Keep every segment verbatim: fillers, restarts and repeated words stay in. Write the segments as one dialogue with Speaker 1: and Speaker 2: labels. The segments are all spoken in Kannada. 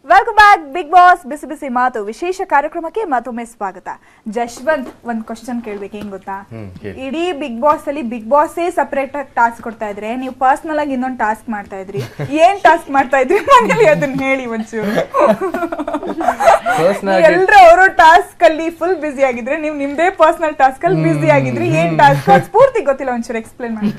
Speaker 1: ವೆಲ್ಕಮ್ ಬ್ಯಾಕ್ ಬಿಗ್ ಬಾಸ್ ಬಿಸಿ ಬಿಸಿ ಮಾತು ವಿಶೇಷ ಕಾರ್ಯಕ್ರಮಕ್ಕೆ ಮತ್ತೊಮ್ಮೆ ಸ್ವಾಗತ. ಜಶ್ವಂತ್, ಒಂದ್ ಕ್ವಶನ್ ಕೇಳ್ಬೇಕು, ಏನ್ ಗೊತ್ತಾ? ಇಡೀ ಬಿಗ್ ಬಾಸ್ ಅಲ್ಲಿ ಬಿಗ್ ಬಾಸ್ ಸಪರೇಟ್ ಆಗಿ ಟಾಸ್ಕ್ ಕೊಡ್ತಾ ಇದ್ರೆ, ನೀವು ಪರ್ಸನಲ್ ಆಗಿ ಇನ್ನೊಂದು ಟಾಸ್ಕ್ ಮಾಡ್ತಾ ಇದ್ರಿ. ಏನ್ ಟಾಸ್ಕ್ ಮಾಡ್ತಾ ಇದ್ರಿ ಮನೇಲಿ ಅದನ್ನ ಹೇಳಿ ಒಂಚೂರು. ಎಲ್ರು ಅವರು ಟಾಸ್ಕ್ ಅಲ್ಲಿ ಫುಲ್ ಬಿಸಿ ಆಗಿದ್ರೆ, ನೀವು ನಿಮ್ದೇ ಪರ್ಸನಲ್ ಟಾಸ್ಕ್ ಅಲ್ಲಿ ಬಿಸಿ ಆಗಿದ್ರಿ. ಏನ್ ಟಾಸ್ಕ್ ಸ್ಫೂರ್ತಿ ಗೊತ್ತಿಲ್ಲ, ಒಂಚೂರು ಎಕ್ಸ್ಪ್ಲೇನ್ ಮಾಡಿ.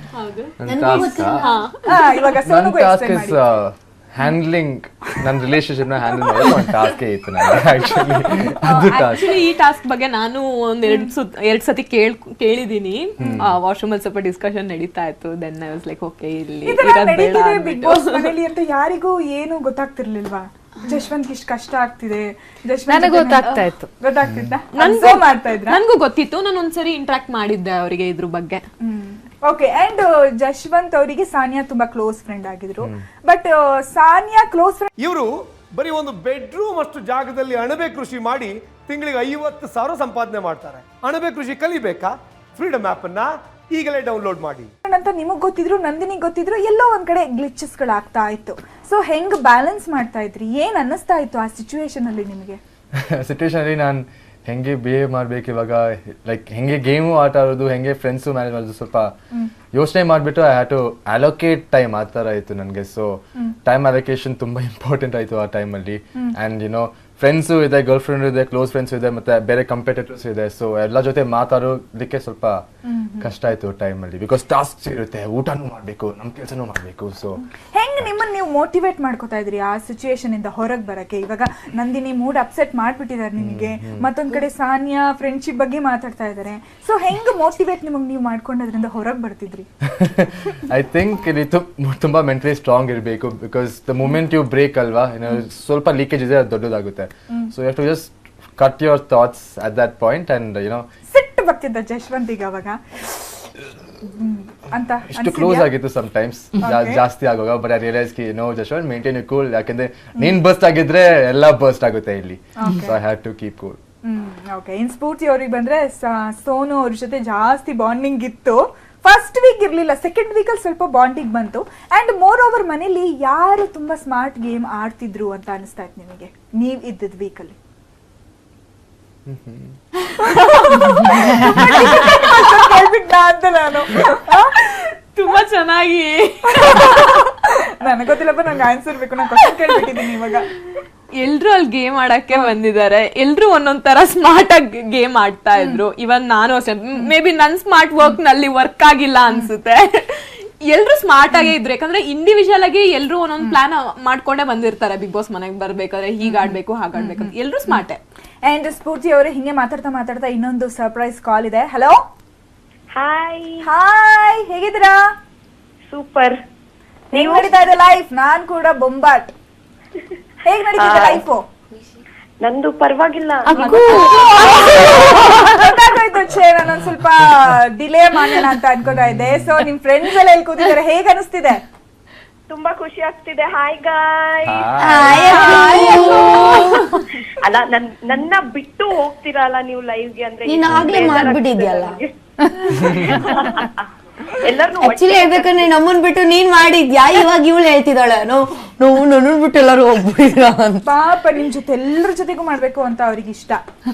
Speaker 1: ಇವಾಗ ಸೋನುಗೂ ಎಕ್ಸ್ಪ್ಲೇನ್ ಮಾಡಿ.
Speaker 2: ಹ್ಯಾಂಡ್ಲಿಂಗ್ ನನ್ನ ರಿಲೇಶನ್ಶಿಪ್ ನ ಹ್ಯಾಂಡಲ್ ಮಾಡೋದು ಒಂದು ಟಾಸ್ಕ್ ಇತ್ತು ನನಗೆ. ಆಕ್ಚುಲಿ ಅದು ಟಾಸ್ಕ್.
Speaker 3: ಈ ಟಾಸ್ಕ್ ಬಗ್ಗೆ ನಾನು ಒಂದ್ ಎರಡ್ ಸುತ್ ಎರಡ್ ಸತಿ ಕೇಳ್ ಕೇಳಿದೀನಿ. ವಾಶ್ರೂಮ್ ಅಲ್ಲಿ ಸ್ವಲ್ಪ ಡಿಸ್ಕಷನ್ ನಡೀತಾ ಇತ್ತು. Then I was like okay, ಇಲ್ಲಿ
Speaker 1: ಬಿಗ್ ಬಾಸ್ ಮನೇಲಿ ಅಂತ ಯಾರಿಗೂ ಏನು ಗೊತ್ತಾಗ್ತಿರ್ಲಿಲ್ವಾ? ಜಶ್ವಂತ್ ಇಷ್ಟು ಕಷ್ಟ ಆಗ್ತಿದೆ,
Speaker 3: ನನಗೆ ಗೊತ್ತಾಗ್ತಾ ಇತ್ತು.
Speaker 1: ಗೊತ್ತಾಗ್ತಿತ್ತ?
Speaker 3: ನನ್ಗೂ ಗೊತ್ತಿತ್ತು. ನಾನು ಒಂದ್ಸರಿ ಇಂಟ್ರಾಕ್ಟ್ ಮಾಡಿದ್ದೆ ಅವರಿಗೆ ಇದ್ರ ಬಗ್ಗೆ.
Speaker 1: ಓಕೆ. ಅಂಡ್ ಜಶ್ವಂತ್ ಅವರಿಗೆ ಸಾನಿಯಾ ತುಂಬಾ ಕ್ಲೋಸ್ ಫ್ರೆಂಡ್ ಆಗಿದ್ರು. ಬಟ್ ಸಾನಿಯಾ ಕ್ಲೋಸ್ ಫ್ರೆಂಡ್
Speaker 4: ಇವರು ಬರೀ ಒಂದು ಬೆಡ್ರೂಮ್ ಅಷ್ಟು ಜಾಗದಲ್ಲಿ ಅಣಬೆ ಕೃಷಿ ಮಾಡಿ ತಿಂಗಳಿಗೆ ಐವತ್ತು ಸಾವಿರ ಸಂಪಾದನೆ ಮಾಡ್ತಾರೆ. ಅಣಬೆ ಕೃಷಿ ಕಲಿಬೇಕಾ? ಫ್ರೀಡಮ್ ಆಪ್ ಅನ್ನ ಈಗಲೇ ಡೌನ್ಲೋಡ್ ಮಾಡಿ
Speaker 1: ಅಂತ ನಿಮಗ್ ಗೊತ್ತಿದ್ರು, ನಂದಿನಿಗೆ ಗೊತ್ತಿದ್ರು, ಎಲ್ಲೋ ಒಂದ್ ಕಡೆ ಗ್ಲಿಚಸ್ ಗಳಾಗ್ತಾ ಇತ್ತು. ಸೊ ಹೆಂಗ್ ಬ್ಯಾಲೆನ್ಸ್ ಮಾಡ್ತಾ ಇದ್ರಿ? ಏನ್ ಅನ್ನಿಸ್ತಾ ಇತ್ತು ಆ ಸಿಚುವೇಶನ್ ಅಲ್ಲಿ ನಿಮಗೆ?
Speaker 2: ಸಿಚುವೇಶನ್ ಅಲ್ಲಿ ನಾನು ಹೆಂಗೆ ಬಿಹೇವ್ ಮಾಡ್ಬೇಕು ಇವಾಗ, ಲೈಕ್ ಹೆಂಗೆ ಗೇಮು ಆಟ ಆಡೋದು, ಹೆಂಗೆ ಫ್ರೆಂಡ್ಸು ಮ್ಯಾನೇಜ್ ಮಾಡೋದು, ಸ್ವಲ್ಪ ಯೋಚನೆ ಮಾಡಿಬಿಟ್ಟು I have to allocate time ಆ ಥರ ಆಯಿತು ನನಗೆ. ಸೊ ಟೈಮ್ ಅಲೋಕೇಶನ್ ತುಂಬ ಇಂಪಾರ್ಟೆಂಟ್ ಆಯಿತು ಆ ಟೈಮಲ್ಲಿ. ಆ್ಯಂಡ್ ಯುನೋ ಫ್ರೆಂಡ್ಸು ಇದೆ, ಗರ್ಲ್ ಫ್ರೆಂಡ್ ಇದೆ, ಕ್ಲೋಸ್ ಫ್ರೆಂಡ್ಸ್ ಇದೆ, ಮತ್ತೆ ಬೇರೆ ಕಂಪೇಟೇಟರ್ಸ್ ಇದೆ. ಸೊ ಎಲ್ಲ ಜೊತೆ ಮಾತಾಡೋದಕ್ಕೆ ಸ್ವಲ್ಪ ಕಷ್ಟ ಆಯ್ತು ಟೈಮಲ್ಲಿ. ಬಿಕಾಸ್ ಟಾಸ್ಕ್ ಇರುತ್ತೆ, ಊಟನೂ ಮಾಡಬೇಕು, ನಮ್ಮ ಕೆಲಸನೂ ಮಾಡಬೇಕು. ಸೊ
Speaker 1: ಹೆಂಗ್ ನಿಮ್ಮನ್ನ ನೀವು ಮೋಟಿವೇಟ್ ಮಾಡ್ಕೋತಾ ಇದ್ರಿ ಆ ಸಿಚುಯೇಷನ್ ಇಂದ ಹೊರಗೆ ಬರಕ್ಕೆ? ಇವಾಗ ನಂದಿನಿ ಮೂಡ್ ಅಪ್ಸೆಟ್ ಮಾಡ್ಬಿಟ್ಟಿದ್ದಾರೆ ನಿಮಗೆ, ಮತ್ತೊಂದ್ ಕಡೆ ಸಾನಿಯಾ ಫ್ರೆಂಡ್ಶಿಪ್ ಬಗ್ಗೆ ಮಾತಾಡ್ತಾ ಇದಾರೆ. ಸೊ ಹೆಂಗ್ ಮೋಟಿವೇಟ್ ನಿಮಗೆ ನೀವು ಮಾಡ್ಕೊಂಡದ್ರಿಂದ ಹೊರಗೆ ಬರ್ತಿದ್ರಿ?
Speaker 2: ಐ ಥಿಂಕ್ ಇಲ್ಲಿ ತುಂಬಾ ಮೆಂಟಲಿ ಸ್ಟ್ರಾಂಗ್ ಇರಬೇಕು. Because the moment you break ಅಲ್ವಾ, ಸ್ವಲ್ಪ ಲೀಕೇಜ್ ಇದೆ, ಅದು ದೊಡ್ಡದಾಗುತ್ತೆ. So you have to just cut your thoughts at that point. And you know
Speaker 1: ಸಿಟ್ಟು ಬರ್ತಿದ್ದ ಜಶ್ವಂತಿಗೆ ಅವಾಗ ಅಂತ
Speaker 2: ಇಷ್ಟು ಕ್ಲೋಸ್ ಆಗಿತ್ತು ಸಮ್ ಟೈಮ್ಸ್, ಜಾಸ್ತಿ ಆಗುವಾಗ. ಬಟ್ ಐ ರಿಯಲೈಸ್ ಕಿ no Jashwanth, maintain you cool. ಯಾಕಂದ್ರೆ ನೀನ್ ಬರ್ಸ್ಟ್ ಆಗಿದ್ರೆ ಎಲ್ಲ ಬರ್ಸ್ಟ್ ಆಗುತ್ತೆ ಇಲ್ಲಿ. So I had to keep cool.
Speaker 1: Okay. ಇನ್ ಸ್ಫೂರ್ತಿ ಅವ್ರಿಗೆ ಬಂದ್ರೆ, ಸೋನು ಅವ್ರ ಜೊತೆ ಜಾಸ್ತಿ ಬಾಂಡಿಂಗ್ ಇತ್ತು. ಫಸ್ಟ್ ವೀಕ್ ಇರ್ಲಿಲ್ಲ, ಸೆಕೆಂಡ್ ವೀಕ್ ಅಲ್ಲಿ ಸ್ವಲ್ಪ ಬಾಂಡಿಂಗ್ ಬಂತು. ಅಂಡ್ ಮೋರ್ ಓವರ್ ಮನೇಲಿ ಯಾರು ತುಂಬಾ ಸ್ಮಾರ್ಟ್ ಗೇಮ್ ಆಡ್ತಿದ್ರು ಅಂತ ಅನಿಸ್ತಾ ಇತ್ತು ನಿಮಗೆ ನೀವ್ ಇದ್ದದ್ ವೀಕ್ ಅಲ್ಲಿ? ಅಂತ ನಾನು
Speaker 3: ತುಂಬಾ ಚೆನ್ನಾಗಿ
Speaker 1: ನನಗೆ ಗೊತ್ತಿಲ್ಲಪ್ಪ, ನಂಗೆ ಆನ್ಸರ್ ಬೇಕು, ನಾನು ಕ್ವಶನ್ ಕೇಳ್ಬಿಟ್ಟಿದ್ದೀನಿ ಇವಾಗ.
Speaker 3: ಎಲ್ರು ಅಲ್ಲಿ ಗೇಮ್ ಆಡಕ್ಕೆ ಬಂದಿದ್ದಾರೆ. ಎಲ್ರು ಒಂದೊಂದ್ ತರ ಸ್ಮಾರ್ಟ್ ಆಗಿ ಗೇಮ್ ಆಡ್ತಾ ಇದ್ರು. ಇವನ್ ನಾನು ಅಷ್ಟೇ, ಮೇ ಬಿ ನನ್ ಸ್ಮಾರ್ಟ್ ವರ್ಕ್ ನಲ್ಲಿ ವರ್ಕ್ ಆಗಿಲ್ಲ ಅನ್ಸುತ್ತೆ. ಎಲ್ರು ಸ್ಮಾರ್ಟ್ ಆಗೇ ಇದ್ರು. ಯಾಕಂದ್ರೆ ಇಂಡಿವಿಜುವಲ್ ಆಗಿ ಎಲ್ರು ಒಂದೊಂದ್ ಪ್ಲಾನ್ ಮಾಡ್ಕೊಂಡೇ ಬಂದಿರ್ತಾರೆ. ಬಿಗ್ ಬಾಸ್ ಮನೆಗೆ ಬರ್ಬೇಕಾದ್ರೆ ಹೀಗ್ ಆಡ್ಬೇಕು, ಹಾಗಾಡ್ಬೇಕು, ಎಲ್ರು ಸ್ಮಾರ್ಟೇ.
Speaker 1: ಅಂಡ್ ಸ್ಫೂರ್ತಿ ಅವರೇ, ಹಿಂಗೆ ಮಾತಾಡ್ತಾ ಮಾತಾಡ್ತಾ ಇನ್ನೊಂದು ಸರ್ಪ್ರೈಸ್ ಕಾಲ್ ಇದೆ. ಹಲೋ.
Speaker 5: ಹಾಯ್
Speaker 1: ಹಾಯ್, ಹೇಗಿದ್ದೀರಾ?
Speaker 5: ಸೂಪರ್.
Speaker 1: ಹೇಗ್ ನಡೀತಾ ಇದೆ ಲೈಫ್? ನಾನ್ ಕೂಡ ಬೊಂಬಾಟ್. ಹೇಗ್ ನಡೀತಿದೆ ಲೈಫು?
Speaker 5: ನಂದು ಪರವಾಗಿಲ್ಲ.
Speaker 1: ಗೊತ್ತಾಗೋಯ್ತು, ಛೇ ನಾನೊಂದ್ ಸ್ವಲ್ಪ ಡಿಲೇ ಮಾಡೋಣ ಅಂತ ಅನ್ಕೋತಾ ಇದ್ದೆ. ಸೊ ನಿಮ್ ಫ್ರೆಂಡ್ಸ್ ಎಲ್ಲ ಎಲ್ಲಿ ಕೂತಿದ್ದಾರೆ, ಹೇಗ್ ಅನಿಸ್ತಿದೆ?
Speaker 5: ತುಂಬಾ ಖುಷಿ ಆಗ್ತಿದೆ. Hi guy. ಅಲ್ಲ, ನನ್ ನನ್ನ ಬಿಟ್ಟು ಹೋಗ್ತಿರಲ್ಲ ನೀವು ಲೈವ್ಗೆ ಅಂದ್ರೆ.
Speaker 6: ನೀನ್ ಆಗ್ಲೇ ಮಾಡ್ಬಿಟ್ಟಿದ್ಯಲ್ಲ.
Speaker 5: ಎಲ್ಲರೂ
Speaker 6: ಆಕ್ಚುಲಿ ಹೇಳ್ಬೇಕಂದ್ರೆ ನಮ್ಮನ್ ಬಿಟ್ಟು ನೀನ್ ಮಾಡಿದ್ಯಾ, ಇವಾಗ ಇವಳು ಹೇಳ್ತಿದ್ದಾಳೆ ನೋ ನೋವು ನನ್ನನ್ ಬಿಟ್ಟು ಎಲ್ಲರೂ ಹೋಗ್ಬಿಟ್ಟಿದ್ರ ಅಂತ.
Speaker 1: ಪಾಪ ನಿಮ್ ಜೊತೆ ಎಲ್ಲರ ಜೊತೆಗೂ ಮಾಡ್ಬೇಕು ಅಂತ ಅವ್ರಿಗೆ ಇಷ್ಟ.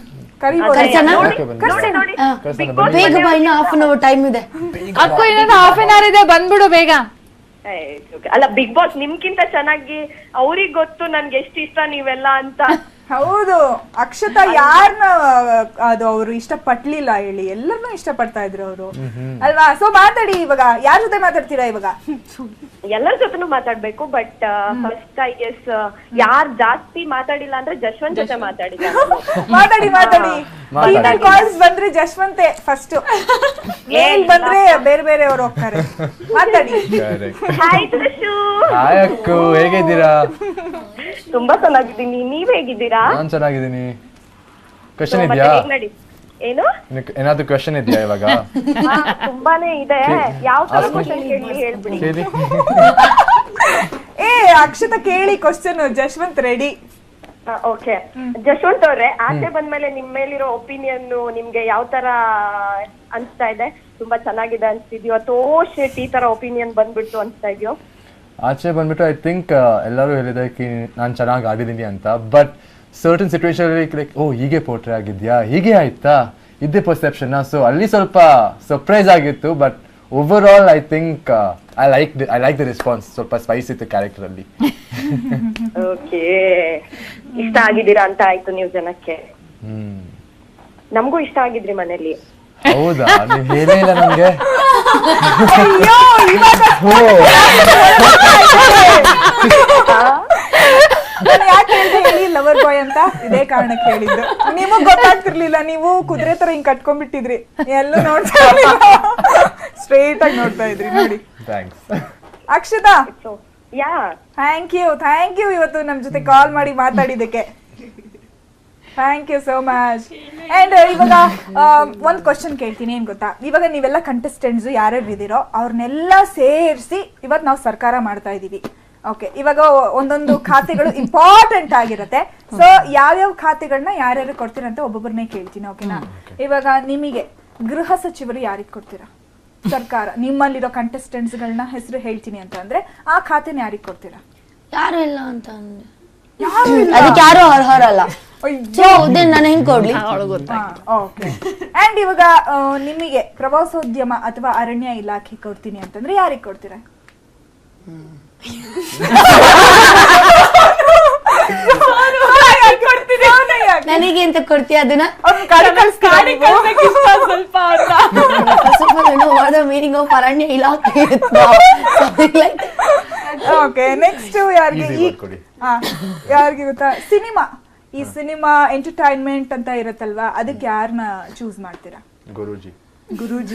Speaker 6: ಬೇಗ ಬಾ, ಇನ್ನು ಹಾಫ್ ಅನ್ ಅವರ್ ಟೈಮ್ ಇದೆ.
Speaker 3: ಅಕ್ಕ ಇನ್ನೊಂದು ಹಾಫ್ ಅನ್ ಅವರ್ ಇದೆ, ಬಂದ್ಬಿಡು ಬೇಗ.
Speaker 5: ಅಲ್ಲ, ಬಿಗ್ ಬಾಸ್ ನಿಮ್ಗಿಂತ ಚೆನ್ನಾಗಿ ಅವ್ರಿಗೆ ಗೊತ್ತು ನನ್ಗೆ ಎಷ್ಟು ಇಷ್ಟ ನೀವೆಲ್ಲ ಅಂತ.
Speaker 1: ಹೌದು, ಅಕ್ಷತಾ ಯಾರನ್ನ ಅದು ಅವರು ಇಷ್ಟ ಪಟ್ಲಿಲ್ಲ ಹೇಳಿ, ಎಲ್ಲರನ್ನೂ ಇಷ್ಟ ಪಡ್ತಾ ಇದ್ರು ಅವರು ಅಲ್ವಾ? ಸೊ ಮಾತಾಡಿ, ಇವಾಗ ಯಾರ ಜೊತೆ ಮಾತಾಡ್ತೀರಾ ಇವಾಗ?
Speaker 5: ಎಲ್ಲರ ಜೊತೆನೂ ಮಾತಾಡ್ಬೇಕು. ಬಟ್ ಫಸ್ಟ್ ಐ ಗೆಸ್ ಯಾರ್ ಜಾಸ್ತಿ ಮಾತಾಡಿಲ್ಲ ಅಂದ್ರೆ ಜಶ್ವಂತ್ ಜೊತೆ ಮಾತಾಡಿಲ್ಲ.
Speaker 1: ಮಾತಾಡಿ ಮಾತಾಡಿ. ಫೀಮೇಲ್ ಕಾಲ್ಸ್ ಬಂದ್ರೆ ಜಶ್ವಂತೆ ಫಸ್ಟ್, ಮೇಲ್ ಬಂದ್ರೆ ಬೇರೆ ಬೇರೆ ಅವ್ರು ಹೋಗ್ತಾರೆ. ಮಾತಾಡಿ.
Speaker 5: ಹಾಯ್ ಜಶು.
Speaker 2: ಹಾಯ್ ಅಕ್ಕು, ಹೇಗಿದ್ದೀರಾ?
Speaker 5: ತುಂಬಾ ಚೆನ್ನಾಗಿದ್ದೀನಿ, ನೀವ್ ಹೇಗಿದ್ದೀರಾ?
Speaker 2: ನಾನ್ ಚೆನ್ನಾಗಿದ್ದೀನಿ. ಕ್ವೆಶ್ಚನ್ ಇದೆಯಾ?
Speaker 5: ಏನು
Speaker 2: ಏನಾದ್ರು ಕ್ವೆಶ್ಚನ್ ಇದೆಯಾ ಇವಾಗ?
Speaker 5: ತುಂಬಾನೇ ಇದೆ. ಯಾವ ತರ ಕ್ವೆಶ್ಚನ್ ಕೇಳಿ ಹೇಳ್ಬಿಡಿ.
Speaker 1: ಏ ಅಕ್ಷತಾ ಕೇಳಿ question, Jashwanth ready.
Speaker 5: Okay Jashwanth ಅವ್ರೆ, ಆಚೆ ಬಂದ್ಮೇಲೆ ನಿಮ್ ಮೇಲಿರೋ ಒಪಿನಿಯನ್ ನಿಮ್ಗೆ ಯಾವ ತರ ಅನ್ಸ್ತಾ ಇದೆ? ತುಂಬಾ ಚೆನ್ನಾಗಿದೆ ಅನ್ಸ್ತಿದ್ಯೋ ಅಥವಾ ಶೇಟ್ ಈ ತರ ಒಪಿನಿಯನ್ ಬಂದ್ಬಿಟ್ಟು ಅನ್ಸ್ತಾ ಇದೆಯೋ?
Speaker 2: ಆಚೆ ಬಂದ್ಬಿಟ್ಟು ಐ ಥಿಂಕ್ ಎಲ್ಲರೂ ಹೇಳಿದೆ ಕಿ ನಾನು ಚೆನ್ನಾಗಿ ಆಡಿದ್ದೀನಿ ಅಂತ, but certain situation like oh ಹೀಗೆ ಪೋರ್ಟ್ರೇ ಆಗಿದ್ಯಾ, ಹೀಗೆ ಆಯ್ತಾ, ಇದ್ದೇ ಪರ್ಸೆಪ್ಷನ್. ಸೊ ಅಲ್ಲಿ ಸ್ವಲ್ಪ ಸರ್ಪ್ರೈಸ್ ಆಗಿತ್ತು, but over all I think I like I like the response. ಸ್ವಲ್ಪ ಸ್ಪೈಸ್ ಇತ್ತು ಕ್ಯಾರೆಕ್ಟರ್ ಅಲ್ಲಿ.
Speaker 5: ಓಕೆ, ಇಷ್ಟ ಆಗಿದ್ದೀರಾ ಅಂತ ಆಯ್ತು ನೀವು ಜನಕ್ಕೆ.
Speaker 2: ಹ್ಮ್
Speaker 5: ನಮಗೂ ಇಷ್ಟ ಆಗಿದ್ರಿ ಮನೇಲಿ.
Speaker 2: ಹೌದಾ? ನೀವು ಹೇಳೇ ಇಲ್ಲ ನಮ್ಗೆ.
Speaker 1: ನಾನು ಯಾಕೆ ಹೇಳಿದೆ ಹೇಳಿ ಲವರ್ ಬಾಯ್ ಅಂತ? ಇದೇ ಕಾರಣಕ್ಕೆ ಹೇಳಿದ್ದು. ನಿಮಗ್ ಗೊತ್ತಾಗ್ತಿರ್ಲಿಲ್ಲ, ನೀವು ಕುದುರೆ ತರ ಹಿಂಗ್ ಕಟ್ಕೊಂಡ್ಬಿಟ್ಟಿದ್ರಿ, ಎಲ್ಲೂ ನೋಡ್ತಾ ಸ್ಟ್ರೇಟ್ ಆಗಿ ನೋಡ್ತಾ ಇದ್ರಿ ನೋಡಿ.
Speaker 2: Thanks.
Speaker 1: Akshata,
Speaker 5: yeah
Speaker 1: thank you thank you ಇವತ್ತು ನಮ್ ಜೊತೆ ಕಾಲ್ ಮಾಡಿ ಮಾತಾಡಿದಕ್ಕೆ. Thank you so much. And ಇವಾಗ ಒಂದ್ ಕ್ವಶನ್ ಕೇಳ್ತೀನಿ, ಏನ್ ಗೊತ್ತಾ, ಇವಾಗ ನೀವೆಲ್ಲ ಕಂಟೆಸ್ಟೆಂಟ್ಸ್ ಯಾರ್ಯಾರು ಇದೀರೋ ಅವ್ರನ್ನೆಲ್ಲ ಸೇರಿಸಿ ಇವತ್ತು ನಾವು ಸರ್ಕಾರ ಮಾಡ್ತಾ ಇದೀವಿ. ಓಕೆ, ಇವಾಗ ಒಂದೊಂದು ಖಾತೆಗಳು ಇಂಪಾರ್ಟೆಂಟ್ ಆಗಿರುತ್ತೆ. ಸೊ ಯಾವ್ಯಾವ ಖಾತೆಗಳನ್ನ ಯಾರ್ಯಾರು ಕೊಡ್ತೀರಾ ಅಂತ ಒಬ್ಬೊಬ್ಬರನ್ನೇ ಕೇಳ್ತೀನಿ. ಓಕೆನಾ? ಇವಾಗ ನಿಮಗೆ ಗೃಹ ಸಚಿವರು ಯಾರಿಗೆ ಕೊಡ್ತೀರಾ? ಸರ್ಕಾರ ನಿಮ್ಮಲ್ಲಿರೋ ಕಂಟೆಸ್ಟೆಂಟ್ಸ್ ಗಳನ್ನ ಹೆಸರು ಹೇಳ್ತೀನಿ ಅಂತ ಅಂದ್ರೆ ಆ ಖಾತೆನ ಯಾರಿಗೆ ಕೊಡ್ತೀರಾ?
Speaker 6: ಯಾರು ಇಲ್ಲ ಅಂತ ಅಂದ್ರೆ
Speaker 1: ಯಾರು ಇಲ್ಲ.
Speaker 6: ಅದಕ್ಕೆ ಯಾರು ಅರ್ಹರಲ್ಲ. ಸೊ ನಾನು ಹೆಂಗ್ ಕೊಡ್ಲಿ?
Speaker 1: ಓಕೆ. ಅಂಡ್ ಇವಾಗ ಆ, ನಿಮಗೆ ಪ್ರವಾಸೋದ್ಯಮ ಅಥವಾ ಅರಣ್ಯ ಇಲಾಖೆ ಕೊಡ್ತೀನಿ ಅಂತಂದ್ರೆ ಯಾರಿಗೆ ಕೊಡ್ತೀರಾ?
Speaker 6: ನನಗೆ ಅಂತ ಕೊಡ್ತೀಯ ಅದನ್ನ? ಮೀನಿಂಗ್ ಆಫ್ ಅರಣ್ಯ ಇಲಾಖೆ.
Speaker 1: ಓಕೆ, ನೆಕ್ಸ್ಟ್ ಯಾರಿಗೆ?
Speaker 2: Easy word ಕೊಡಿ.
Speaker 1: ಯಾರಿಗೆ ಗೊತ್ತಾ, ಸಿನಿಮಾ ಈ ಸಿನಿಮಾ ಎಂಟರ್ಟೈನ್ಮೆಂಟ್ ಅಂತ ಇರತ್ತಲ್ವಾ, ಅದಕ್ಕೆ ಯಾರನ್ನ ಚೂಸ್ ಮಾಡ್ತೀರಾ?
Speaker 2: ಗುರೂಜಿ.
Speaker 1: ಗುರೂಜಿ.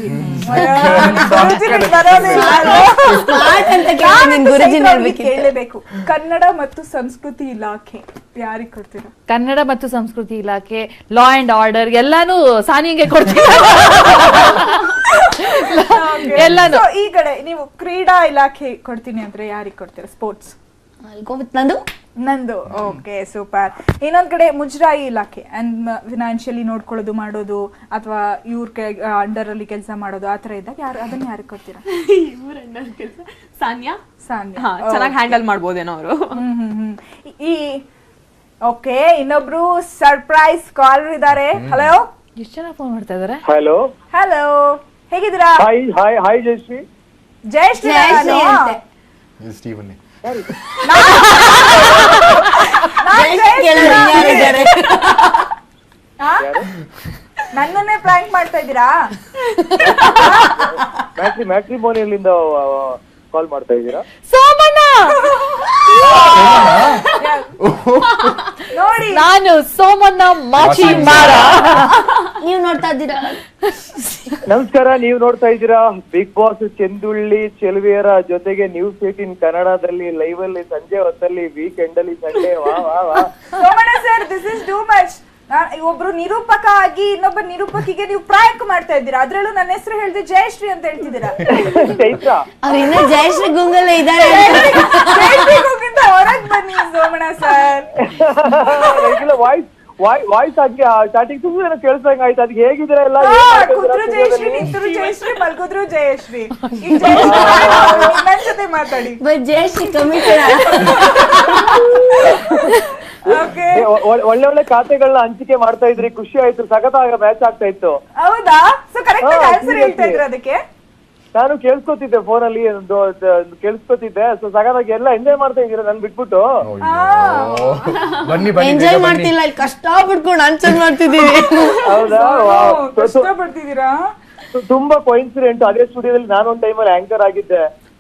Speaker 1: ಕೇಳಲೇಬೇಕು. ಕನ್ನಡ ಮತ್ತು ಸಂಸ್ಕೃತಿ ಇಲಾಖೆ ಯಾರಿಗೆ ಕೊಡ್ತೀರಾ?
Speaker 7: ಕನ್ನಡ ಮತ್ತು ಸಂಸ್ಕೃತಿ ಇಲಾಖೆ, ಲಾ ಅಂಡ್ ಆರ್ಡರ್ ಎಲ್ಲಾನು ಸಾನಿಗೆ ಕೊಡ್ತೀರಾ? ಎಲ್ಲಾನು.
Speaker 1: So, ಈ ಕಡೆ ನೀವು ಕ್ರೀಡಾ ಇಲಾಖೆ ಕೊಡ್ತೀನಿ ಅಂದ್ರೆ ಯಾರಿಗೆ ಕೊಡ್ತೀರಾ? ಸ್ಪೋರ್ಟ್ಸ್.
Speaker 6: ನಂದು
Speaker 1: ನಂದು. Okay, super. ಇನ್ನೊಂದ್ ಕಡೆ ಮುಜರಾಯಿ ಇಲಾಖೆ ಅಂಡ್ ಫಿನಾನ್ಷಿಯಲಿ ನೋಡ್ಕೊಳ್ಳೋದು ಮಾಡೋದು ಅಥವಾ ಇವ್ರ ಅಂಡರ್ ಅಲ್ಲಿ ಕೆಲಸ ಮಾಡೋದು ಆತರ ಇದ್ದಾಗ ಯಾರು ಅದನ್ನ ಯಾರಿಗೆ ಕೊಡ್ತೀರಾ?
Speaker 3: ಸಾನ್ಯಾ
Speaker 1: ಸಾನ್ಯಾ.
Speaker 3: ಚೆನ್ನಾಗಿ ಹ್ಯಾಂಡಲ್ ಮಾಡ್ಬೋದೇನೋ ಅವರು.
Speaker 1: ಹ್ಮ್ ಹ್ಮ್ ಹ್ಮ್ ಈ ಓಕೆ, ಇನ್ನೊಬ್ರು ಸರ್ಪ್ರೈಸ್ ಕಾಲರ್ ಇದ್ದಾರೆ. ಹಲೋ,
Speaker 7: ಎಷ್ಟು ಜನ ಫೋನ್ ಮಾಡ್ತಾ ಇದಾರೆ?
Speaker 8: ಹಲೋ
Speaker 1: ಹಲೋ, ಹೇಗಿದ್ದೀರಾ?
Speaker 8: Hi hi hi Jayashree.
Speaker 1: Jayashree.
Speaker 6: Jayashree ಅಂತೆ.
Speaker 2: ಸ್ಟೀವನ್.
Speaker 1: ನನ್ನನ್ನೇ ಪ್ರ್ಯಾಂಕ್ ಮಾಡ್ತಾ ಇದ್ದೀರಾ?
Speaker 8: ಮ್ಯಾಟ್ರಿ ಮ್ಯಾಟ್ರಿಮೋನಿಯಲ್ಲಿಂದ ಕಾಲ್ ಮಾಡ್ತಾ ಇದ್ದೀರಾ?
Speaker 7: ಸೋಮಣ್ಣ
Speaker 1: ನೋಡಿ,
Speaker 7: ನಾನು ಸೋಮಣ್ಣ ಮಾಚಿ ಮಾರ.
Speaker 6: ನೀವ್ ನೋಡ್ತಾ ಇದ್ದೀರಾ?
Speaker 8: ನಮಸ್ಕಾರ, ನೀವು ನೋಡ್ತಾ ಇದ್ದೀರಾ ಬಿಗ್ ಬಾಸ್ ಚೆಂದುಳ್ಳಿ ಚೆಲುವೆಯರ ಜೊತೆಗೆ ನ್ಯೂಸ್ ಏಟೀನ್ ಕನ್ನಡದಲ್ಲಿ ಲೈವ್ ಅಲ್ಲಿ ಸಂಜೆ ಹೊತ್ತಲ್ಲಿ ವೀಕೆಂಡ್ ಅಲ್ಲಿ ಸಂಡೇ. ವಾ ವಾ ವಾ
Speaker 1: Somanna sir, this is too much. ಒಬ್ರು ನಿರೂಪಕ ಆಗಿ ಇನ್ನೊಬ್ಬ ನಿರೂಪಕಿಗೆ ನೀವು ಪ್ರಾಂಕ್ ಮಾಡ್ತಾ ಇದ್ದೀರಾ. ಅದ್ರಲ್ಲೂ ನನ್ನ ಹೆಸರು ಹೇಳಿದ್ರೆ ಜಯಶ್ರೀ ಅಂತ ಹೇಳ್ತಿದ್ದೀರಾ.
Speaker 8: ಚೈತ್ರ
Speaker 6: ಅವ್ರು ಇನ್ನ ಜಯಶ್ರೀ ಗುಂಗಲ್ಲ ಇದಾರೆ.
Speaker 1: ಹೊರಗ್ ಬನ್ನಿ ಸೋಮಣ್ಣ ಸರ್.
Speaker 8: ವಾಯ್ಸ್ ವಾಯ್ಸ್ ಆಗಿ ಸ್ಟಾರ್ಟಿಂಗ್ ತುಂಬಾ ಕೇಳಿಸಂಗ ಆಯ್ತು. ಅದಕ್ಕೆ ಹೇಗಿದ್ದೀರಾ ಎಲ್ಲ?
Speaker 1: ಕುದ್ರು ಜಯಶ್ರೀ, ನಿಂತರು ಜಯಶ್ರೀ, ಮಲ್ಗುದ್ರು ಜಯಶ್ರೀ. ಈಗ ಜಯಶ್ರೀ ನನ್ನ ಜೊತೆ ಮಾತಾಡಿ.
Speaker 6: ಬಟ್ ಜಯಶ್ರೀ ಕಮ್ಮಿ.
Speaker 1: ಓಕೆ,
Speaker 8: ಒಳ್ಳೆ ಒಳ್ಳೆ ಖಾತೆಗಳನ್ನ ಹಂಚಿಕೆ ಮಾಡ್ತಾ ಇದ್ರಿ, ಖುಷಿ ಆಯ್ತು. ಸಖತ್ತಾಗ ಮ್ಯಾಚ್ ಆಗ್ತಾ ಇತ್ತು.
Speaker 1: ಹೌದಾ? ಸೊ ಕರೆಕ್ಟ್ ಆನ್ಸರ್ ಹೇಳ್ತಾ ಇದ್ರ ಅದಕ್ಕೆ?
Speaker 8: ನಾನು ಕೇಳಿಸ್ಕೊತಿದ್ದೆ ಫೋನಲ್ಲಿ, ಕೇಳಿಸ್ಕೊತಿದ್ದೆ. ಸೊ ಸಗದಾಗಿ ಎಲ್ಲ ಎಂಜಾಯ್ ಮಾಡ್ತಾ ಇದ್ದೀರಾ ನನ್ ಬಿಟ್ಬಿಟ್ಟು?
Speaker 2: ಬನ್ನಿ ಬನ್ನಿ.
Speaker 6: ಎಂಜಾಯ್ ಮಾಡ್ತಿಲ್ಲ, ಇಲ್ಲಿ ಕಷ್ಟ ಬಿಟ್ಕೊಂಡು ಆನ್ಸರ್ ಮಾಡ್ತಿದ್ದೀವಿ.
Speaker 8: ಹೌದಾ?
Speaker 1: ಕಷ್ಟ ಪಡ್ತಿದ್ದೀರಾ?
Speaker 8: ತುಂಬಾ ಕೋಇನ್ಸಿಡೆಂಟ್. ಅದೇ ಸ್ಟುಡಿಯೋದಲ್ಲಿ ನಾನು ಒಂದ್ ಟೈಮಲ್ಲಿ ಆಂಕರ್ ಆಗಿದ್ದೆ.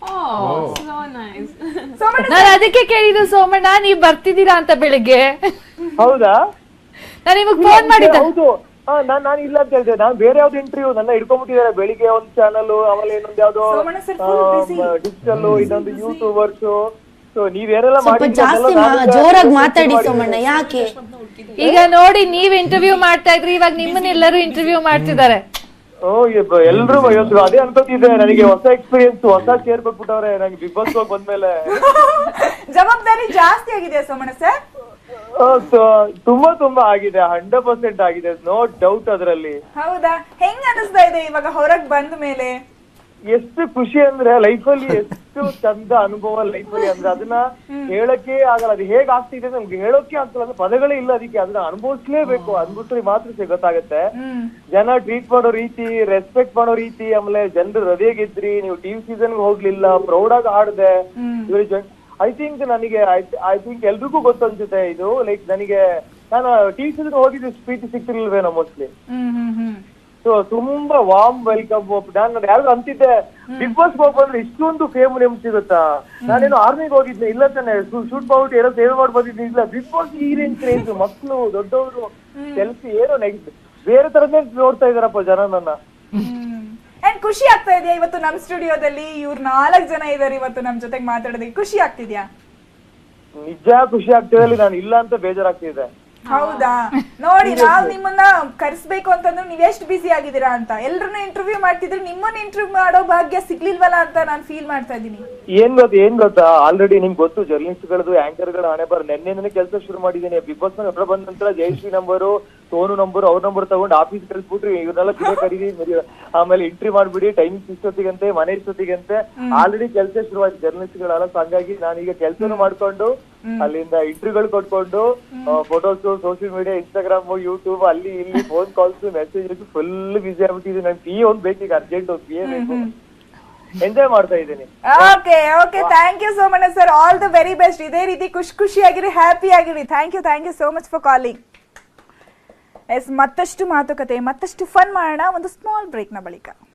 Speaker 7: ನಾನು ಅದಕ್ಕೆ ಕೇಳಿದ್ದು ಸೋಮಣ್ಣ ನೀವ್ ಬರ್ತಿದ್ದೀರಾ ಅಂತ ಬೆಳಿಗ್ಗೆ.
Speaker 8: ಹೌದಾ?
Speaker 7: ನಾನು ನಿಮಗ್ ಫೋನ್ ಮಾಡಿದ್ದೆ.
Speaker 8: ಹೌದು, ನಾನ್ ನಾನು ಇಲ್ಲ ಅಂತ ಹೇಳ್ದೆ. ನಾನು ಬೇರೆ ಯಾವ್ದು ಇಂಟರ್ವ್ಯೂ ನನ್ನ ಹಿಡ್ಕೊಂಡ್ಬಿಟ್ಟಿದ್ದಾರೆ. ಬೆಳಿಗ್ಗೆ ಒಂದ್ ಚಾನಲ್, ಆಮೇಲೆ ಇನ್ನೊಂದ್ ಯಾವ್ದೋ ಡಿಜಿಟಲ್, ಇನ್ನೊಂದು ಯೂಟ್ಯೂಬರ್ಸ್. ಸೊ ನೀವೇನೆಲ್ಲ
Speaker 6: ಸ್ವಲ್ಪ ಜಾಸ್ತಿ ಜೋರಾಗಿ ಮಾತಾಡಿ ಸೋಮಣ್ಣ. ಯಾಕೆ?
Speaker 7: ಈಗ ನೋಡಿ, ನೀವ್ ಇಂಟರ್ವ್ಯೂ ಮಾಡ್ತಾ ಇದ್ರಿ, ಇವಾಗ ನಿಮ್ಮನ್ನ ಎಲ್ಲರೂ ಇಂಟರ್ವ್ಯೂ ಮಾಡ್ತಿದ್ದಾರೆ.
Speaker 8: ಓ ಎಲ್ರು ಇವತ್ತು ಅದೇ ಅನ್ಕೋತಿದ್ದೆ. ನನಗೆ ಹೊಸ ಎಕ್ಸ್ಪೀರಿಯನ್ಸ್, ಹೊಸ ಚೇರ್ ಕೊಟ್ಬಿಟ್ಟವ್ರೆ ನನಗೆ ಬಿಗ್ ಬಾಸ್ ಹೋಗಿ ಬಂದ್ಮೇಲೆ.
Speaker 1: ಜವಾಬ್ದಾರಿ ಜಾಸ್ತಿ ಆಗಿದೆ ಸೋಮಣ್ಣ ಸರ್.
Speaker 8: ತುಂಬಾ ತುಂಬಾ ಆಗಿದೆ, ಹಂಡ್ರೆಡ್ ಪರ್ಸೆಂಟ್ ಆಗಿದೆ, ನೋ ಡೌಟ್ ಅದರಲ್ಲಿ.
Speaker 1: ಹೌದಾ? ಹೆಂಗ್ ಅನಿಸ್ತಾ ಇದೆ ಇವಾಗ ಹೊರಗ್ ಬಂದ ಮೇಲೆ?
Speaker 8: ಎಷ್ಟು ಖುಷಿ ಅಂದ್ರೆ ಲೈಫಲ್ಲಿ ಎಷ್ಟು ಚಂದ ಅನುಭವ ಲೈಫಲ್ಲಿ ಅಂದ್ರೆ ಅದನ್ನ ಹೇಳಕ್ಕೆ ಆಗಲ್ಲ. ಅದು ಹೇಗ್ ಆಗ್ತಿದೆ ನಮ್ಗೆ ಹೇಳೋಕೆ ಆಗ್ತಲ್ಲ ಅಂದ್ರೆ ಪದಗಳೇ ಇಲ್ಲ ಅದಕ್ಕೆ. ಅದನ್ನ ಅನುಭವಿಸ್ಲೇಬೇಕು, ಅನ್ಬಿಟ್ರೆ ಮಾತ್ರ ಗೊತ್ತಾಗತ್ತೆ. ಜನ ಟ್ರೀಟ್ ಮಾಡೋ ರೀತಿ, ರೆಸ್ಪೆಕ್ಟ್ ಮಾಡೋ ರೀತಿ, ಆಮೇಲೆ ಜನರು ಹೃದಯ ಗೆದ್ರಿ, ನೀವು ಟಿವಿ ಸೀಸನ್ ಹೋಗ್ಲಿಲ್ಲ, ಪ್ರೌಡ್ ಆಗಿ ಆಡ್ದೆ. ಐ ಥಿಂಕ್ ನನಗೆ ಐ ಥಿಂಕ್ ಎಲ್ರಿಗೂ ಗೊತ್ತು ಅನ್ಸುತ್ತೆ ಇದು. ಲೈಕ್ ನನಗೆ ನಾನು ಟಿವಿ ಸೀಸನ್ ಹೋಗಿದ್ದು ಪ್ರೀತಿ ಸಿಕ್ತಿರ್ಲಿಲ್ವೇನೋ ಮೋಸ್ಟ್ಲಿ. ಸೊ ತುಂಬಾ ವಾರ್ಮ್ ವೆಲ್ಕಮ್. ನಾನು ಯಾರು ಅಂತಿದ್ದೆ ಬಿಗ್ ಬಾಸ್ ಹೋಗ್ ಬಂದ್ರೆ ಇಷ್ಟೊಂದು ಫೇಮ್ ನೇಮ್ ಸಿಗುತ್ತಾ, ನಾನೇನು ಆರ್ಮಿಗೆ ಹೋಗಿದ್ದೆ ಇಲ್ಲ ತಾನೆ, ಶೂಟ್ ಮಾಡ್ಬಿಟ್ಟು ಏನೋ ಸೇವ್ ಮಾಡಿ ಬಂದಿದ್ದೆ. ಇಲ್ಲ ಬಿಗ್ ಬಾಸ್ ಈ ರೇಂಜ್ ಕ್ರೇಜ್, ಮಕ್ಕಳು ದೊಡ್ಡವರು ಸೆಲ್ಫಿ ಏನೋ ನೆಕ್ಸ್ಟ್ ಬೇರೆ ತರನೇ ನೋಡ್ತಾ ಇದಾರಪ್ಪ ಜನ ನನ್ನ.
Speaker 1: ಅಂಡ್ ಖುಷಿ ಆಗ್ತಾ ಇದೆಯಾ ಇವತ್ತು ನಮ್ ಸ್ಟುಡಿಯೋದಲ್ಲಿ ಇವ್ರು ನಾಲ್ಕು ಜನ ಇದಾರೆ ಇವತ್ತು ನಮ್ ಜೊತೆಗೆ ಮಾತಾಡೋದಕ್ಕೆ? ಖುಷಿ ಆಗ್ತಿದ್ಯಾ?
Speaker 8: ನಿಜ ಖುಷಿ ಆಗ್ತಿದೆ, ನಾನು ಇಲ್ಲ ಅಂತ ಬೇಜಾರಾಗ್ತಿದೆ.
Speaker 1: ಹೌದಾ? ನೋಡಿ ನಾವ್ ನಿಮ್ಮನ್ನ ಕರೆಸ್ಬೇಕು ಅಂತಂದ್ರೆ ನೀವ್ ಎಷ್ಟು ಬಿಸಿ ಆಗಿದ್ದೀರಾ ಅಂತ. ಎಲ್ರನ್ನ ಇಂಟರ್ವ್ಯೂ ಮಾಡ್ತಿದ್ರೆ ನಿಮ್ಮನ್ನ ಇಂಟರ್ವ್ಯೂ ಮಾಡೋ ಭಾಗ್ಯ ಸಿಗ್ಲಿಲ್ವಲ್ಲ ಅಂತ ನಾನು ಫೀಲ್ ಮಾಡ್ತಾ ಇದ್ದೀನಿ.
Speaker 8: ಏನ್ ಗೊತ್ತಾ ಏನ್ ಗೊತ್ತಾ ಆಲ್ರೆಡಿ ನಿಮ್ಗೆ ಗೊತ್ತು ಜರ್ನಲಿಸ್ಟ್ ಗಳದು ಆಂಕರ್ ಗಳ ಹಣೆ ಬರ್ ನೆನ್ನೆ ಕೆಲಸ ಶುರು ಮಾಡಿದ್ದೀನಿ. ಬಿಗ್ ಬಾಸ್ ನ ಹೊರ ಬಂದ ನಂತರ ಜಯಶ್ರೀ ನಂಬರು, ಸೋನು ನಂಬರ್, ಅವ್ರ ನಂಬರ್ ತಗೊಂಡು ಆಫೀಸ್ ಕಳ್ಸ್ಬಿಟ್ರಿ, ಇವ್ರನ್ನೆಲ್ಲ ಕಿಡೆ ಕರೀದಿ, ಆಮೇಲೆ ಎಂಟ್ರಿ ಮಾಡ್ಬಿಡಿ, ಟೈಮಿಂಗ್ ಇಷ್ಟೊತ್ತಿಗಂತೆ, ಮನೆ ಇಷ್ಟೊತ್ತಿಗಂತೆ. ಆಲ್ರೆಡಿ ಕೆಲಸ ಶುರುವಾಯ್ತು ಜರ್ನಲಿಸ್ಟ್ ಗಳೆಲ್ಲ. ಹಾಗಾಗಿ ನಾನೀಗ ಕೆಲಸನೂ ಮಾಡ್ಕೊಂಡು ಅಲ್ಲಿಂದ ಇಂಟರ್ವ್ಯೂಗಳು ಕೊಟ್ಕೊಂಡು photos, social media, Instagram, YouTube, ಅಲ್ಲಿ ಇಲ್ಲಿ phone calls, message full busy ಆಗ್ಬಿಟ್ಟಿದೆ. ನನ್ ಪಿ ಒಂದ್ ಬೇಕೀಗ ಅರ್ಜೆಂಟ್ ಒಂದು ಪಿ ಎ ಬೇಕು. ಎಂಜಾಯ್ ಮಾಡ್ತಾ ಇದ್ದೀನಿ.
Speaker 1: Okay okay thank you so much sir. All the very best. ಇದೇ ರೀತಿ ಖುಷಿ ಖುಷಿಯಾಗಿರಿ, ಹ್ಯಾಪಿ ಆಗಿರಿ. Thank you thank you so much for calling. Yes, ಮತ್ತಷ್ಟು ಮಾತುಕತೆ, ಮತ್ತಷ್ಟು ಫನ್ ಮಾಡೋಣ ಒಂದು ಸ್ಮಾಲ್ ಬ್ರೇಕ್ನ ಬಳಿಕ.